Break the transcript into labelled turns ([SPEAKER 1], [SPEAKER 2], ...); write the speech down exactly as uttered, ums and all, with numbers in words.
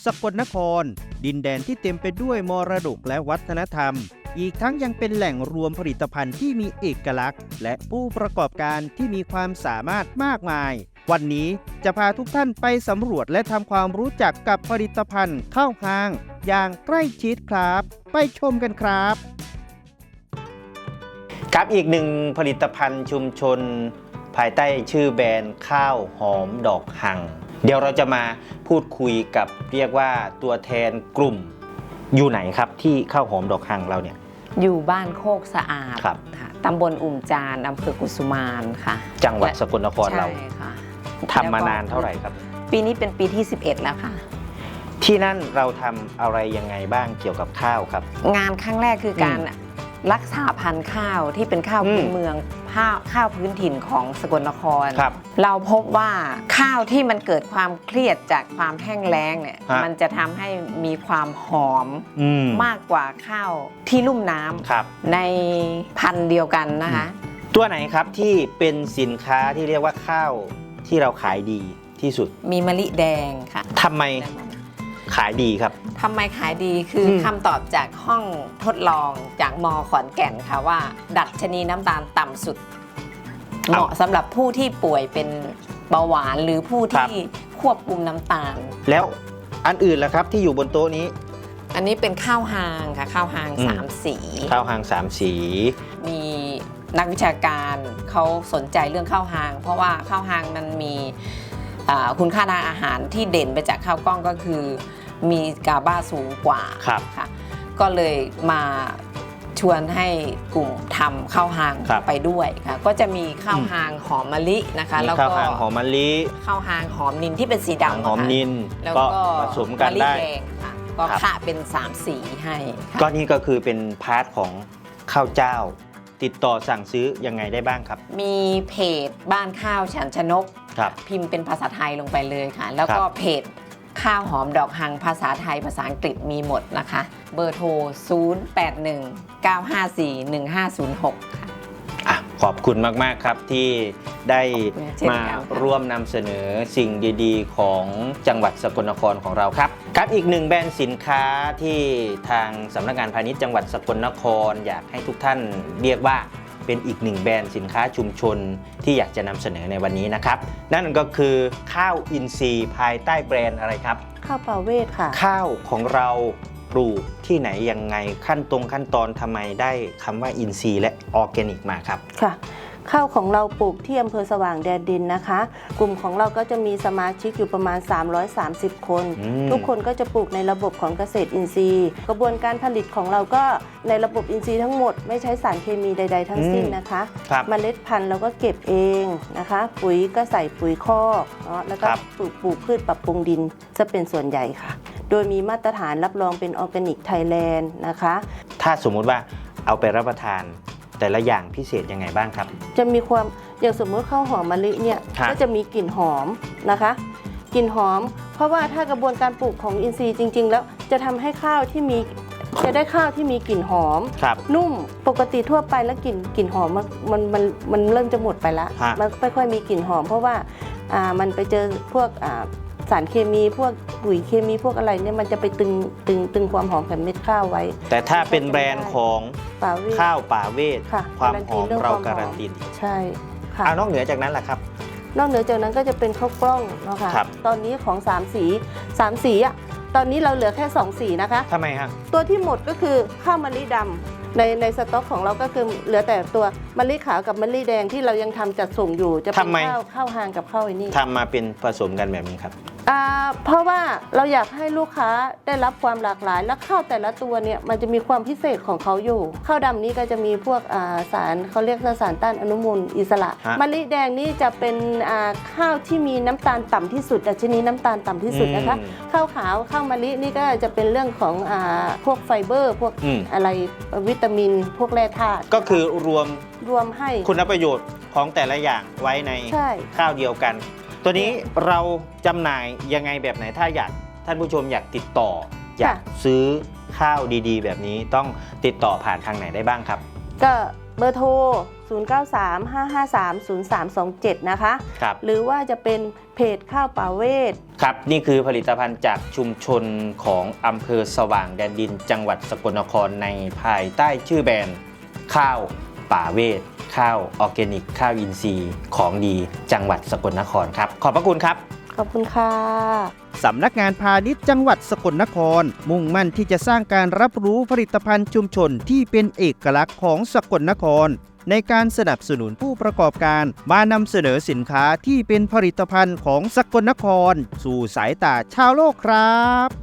[SPEAKER 1] สกลนครดินแดนที่เต็มไปด้วยมรดกและวัฒนธรรมอีกทั้งยังเป็นแหล่งรวมผลิตภัณฑ์ที่มีเอกลักษณ์และผู้ประกอบการที่มีความสามารถมากมายวันนี้จะพาทุกท่านไปสำรวจและทำความรู้จักกับผลิตภัณฑ์ข้าวหางอย่างใกล้ชิดครับไปชมกันครับครับอีกหนึ่งผลิตภัณฑ์ชุมชนภายใต้ชื่อแบรนด์ข้าวหอมดอกหังเดี๋ยวเราจะมาพูดคุยกับเรียกว่าตัวแทนกลุ่มอยู่ไหนครับที่ข้าวหอมดอกหังเราเนี่ย
[SPEAKER 2] อยู่บ้านโคกสะอาด
[SPEAKER 1] ครับ
[SPEAKER 2] ค่ะตำบลอุ่มจานอำเภอกุสุมานค่ะ
[SPEAKER 1] จังหวัดสกลนครเรา
[SPEAKER 2] ใช่ค่ะ
[SPEAKER 1] ทำมานานเท่าไหร่ครับ
[SPEAKER 2] ปีนี้เป็นปีที่สิบเอ็ดแล้วค่ะ
[SPEAKER 1] ที่นั่นเราทำอะไรยังไงบ้างเกี่ยวกับข้าวครับ
[SPEAKER 2] งานครั้งแรกคือการรักษาพันธุ์ข้าวที่เป็นข้าวพื้นเมืองข้าวข้าวพื้นถิ่นของสกลนครเราพบว่าข้าวที่มันเกิดความเครียดจากความแห้งแล้งเนี่ยมันจะทำให้มีความหอมมากกว่าข้าวที่ลุ่มน้ำในพันธุ์เดียวกันนะคะ
[SPEAKER 1] ตัวไหนครับที่เป็นสินค้าที่เรียกว่าข้าวที่เราขายดีที่สุด
[SPEAKER 2] มีมะลิแดงค่ะ
[SPEAKER 1] ทำไมขายดีครับ
[SPEAKER 2] ทำไมขายดีคือคำตอบจากห้องทดลองจากม.ขอนแก่นค่ะว่าดัชนีน้ำตาลต่ำสุดเหมาะสำหรับผู้ที่ป่วยเป็นเบาหวานหรือผู้ที่ควบคุมน้ำตาล
[SPEAKER 1] แล้วอันอื่นล่ะครับที่อยู่บนโต๊ะนี้
[SPEAKER 2] อันนี้เป็นข้าวหางค่ะข้าวหางสามสี
[SPEAKER 1] ข้าวหางสามสี
[SPEAKER 2] มีนักวิชาการเขาสนใจเรื่องข้าวหางเพราะว่าข้าวหางมันมีคุณค่าทางอาหารที่เด่นไปจากข้าวกล้องก็คือมีกาบาสูงกว่าค่ะก็เลยมาชวนให้กลุ่มทำข้าวหางไปด้วยค่ะก็จะมีข้าวหางหอมมะลินะคะ
[SPEAKER 1] แล้วก็ข้าวหางหอมมะลิ
[SPEAKER 2] ข้าวหางหอมนินที่เป็นสีดำ
[SPEAKER 1] หอมนินแล้วก็ผสมกันได้
[SPEAKER 2] ก็ค่ะเป็นสามสีให้
[SPEAKER 1] ก็นี่ก็คือเป็นพาร์ทของข้าวเจ้าติดต่อสั่งซื้อยังไงได้บ้างครับ
[SPEAKER 2] มีเพจบ้านข้าวฉันชนกพิมพ์เป็นภาษาไทยลงไปเลยค่ะแล้วก็เพจข้าวหอมดอกหังภาษาไทยภาษาอังกฤษมีหมดนะคะเบอร์โทรศูนย์ แปด หนึ่ง เก้า ห้า สี่ หนึ่ง ห้า ศูนย์ หกค่ะ
[SPEAKER 1] อ่ะขอบคุณมากๆครับที่ได้มาร่วมนำเสนอสิ่งดีๆของจังหวัดสกลนครของเราครับครับอีกหนึ่งแบรนด์สินค้าที่ทางสำนักงานพาณิชย์จังหวัดสกลนครอยากให้ทุกท่านเรียกว่าเป็นอีกหนึ่งแบรนด์สินค้าชุมชนที่อยากจะนำเสนอในวันนี้นะครับนั่นก็คือข้าวอินทรีย์ภายใต้แบรนด์อะไรครับ
[SPEAKER 3] ข้าวป่าเวทค่ะ
[SPEAKER 1] ข้าวของเราปลูกที่ไหนยังไงขั้นตรงขั้นตอนทำไมได้คำว่าอินทรีย์และออร์แกนิกมาครับ
[SPEAKER 3] ค่ะข้าวของเราปลูกที่อำเภอสว่างแดนดินนะคะกลุ่มของเราก็จะมีสมาชิกอยู่ประมาณสามร้อยสามสิบคนทุกคนก็จะปลูกในระบบของเกษตรอินทรีย์กระบวนการผลิตของเราก็ในระบบอินทรีย์ทั้งหมดไม่ใช้สารเคมีใดๆทั้งสิ้นนะคะเมล็ดพันธุ์เราก็เก็บเองนะคะปุ๋ยก็ใส่ปุ๋ยคอกเนาะแล้วก็ปลูกปลูกพืชปรับปรุงดินจะเป็นส่วนใหญ่ค่ะโดยมีมาตรฐานรับรองเป็นออร์แกนิกไทยแลนด์นะคะ
[SPEAKER 1] ถ้าสมมุติว่าเอาไปรับประทานแต่ละอย่างพิเศษยังไงบ้างครับ
[SPEAKER 3] จะมีความอย่างสมมติข้าวหอมมะลิเนี่ยก็จะมีกลิ่นหอมนะคะกลิ่นหอมเพราะว่าถ้ากระบวนการปลูกของอินทรีย์จริงๆแล้วจะทำให้ข้าวที่มีจะได้ข้าวที่มีกลิ่นหอมนุ่มปกติทั่วไปแล้วกลิ่นกลิ่นหอมมันมันมันมันเริ่มจะหมดไปแล้วมันไม่ค่อยมีกลิ่นหอมเพราะว่าอ่ามันไปเจอพวกอ่าสารเคมีพวกปุ๋ยเคมีพวกอะไรเนี่ยมันจะไปตึงตึงตึงความหอมของเม็ดข้าวไว้
[SPEAKER 1] แต่ถ้าเป็นแบรนด์ของข้าวป่าเวทความหอมเราการันตี
[SPEAKER 3] ใช่ค่ะ
[SPEAKER 1] นอกเหนือจากนั้นแหละครับ
[SPEAKER 3] นอกเหนือจากนั้นก็จะเป็นข้าวกล้องเนาะค่ะตอนนี้ของสามสีสามสีอ่ะตอนนี้เราเหลือแค่สองสีนะคะ
[SPEAKER 1] ทำไมครับ
[SPEAKER 3] ตัวที่หมดก็คือข้าวมะลิดำในในสต็อกของเราก็คือเหลือแต่ตัวมะลิขาวกับมะลิแดงที่เรายังทำจัดส่งอยู่จะเป็นข้าวข้าวหางกับข้าวไอ้นี่
[SPEAKER 1] ทำมาเป็นผสมกันแบบนี้ครับ
[SPEAKER 3] เพราะว่าเราอยากให้ลูกค้าได้รับความหลากหลายและข้าวแต่ละตัวเนี่ยมันจะมีความพิเศษของเขาอยู่ข้าวดำนี้ก็จะมีพวกสารเขาเรียกสารต้านอนุมูลอิสระมะลิแดงนี่จะเป็นข้าวที่มีน้ำตาลต่ำที่สุดดัชนีน้ำตาลต่ำที่สุดนะคะข้าวขาวข้าวมะลินี่ก็จะเป็นเรื่องของพวกไฟเบอร์พวกอะไรวิตามินพวกแร่ธาตุ
[SPEAKER 1] ก็คือรวม
[SPEAKER 3] รวมให้
[SPEAKER 1] คุณประโยชน์ของแต่ละอย่างไว้ในข้าวเดียวกันตัวนี้เราจำหน่ายยังไงแบบไหนถ้าอยากท่านผู้ชมอยากติดต่ออยากซื้อข้าวดีๆแบบนี้ต้องติดต่อผ่านทางไหนได้บ้างครับ
[SPEAKER 3] ก็เบอร์โทรศูศูนย์ เก้า สาม ห้า ห้า สาม ศูนย์ สาม สอง เจ็ด นะคะ
[SPEAKER 1] ครับ
[SPEAKER 3] หรือว่าจะเป็นเพจข้าวป่าเวท
[SPEAKER 1] ครับนี่คือผลิตภัณฑ์จากชุมชนของอำเภอสว่างแดนดินจังหวัดสกลนครในภายใต้ชื่อแบรนด์ข้าวป่าเวทข้าวออร์แกนิกข้าวอินทรีย์ของดีจังหวัดสกลนครครับขอบพระคุณครับ
[SPEAKER 3] ขอบคุณค่ะ
[SPEAKER 4] สำนักงานพาณิชย์จังหวัดสกลนครมุ่งมั่นที่จะสร้างการรับรู้ผลิตภัณฑ์ชุมชนที่เป็นเอกลักษณ์ของสกลนครในการสนับสนุนผู้ประกอบการมานำเสนอสินค้าที่เป็นผลิตภัณฑ์ของสกลนครสู่สายตาชาวโลกครับ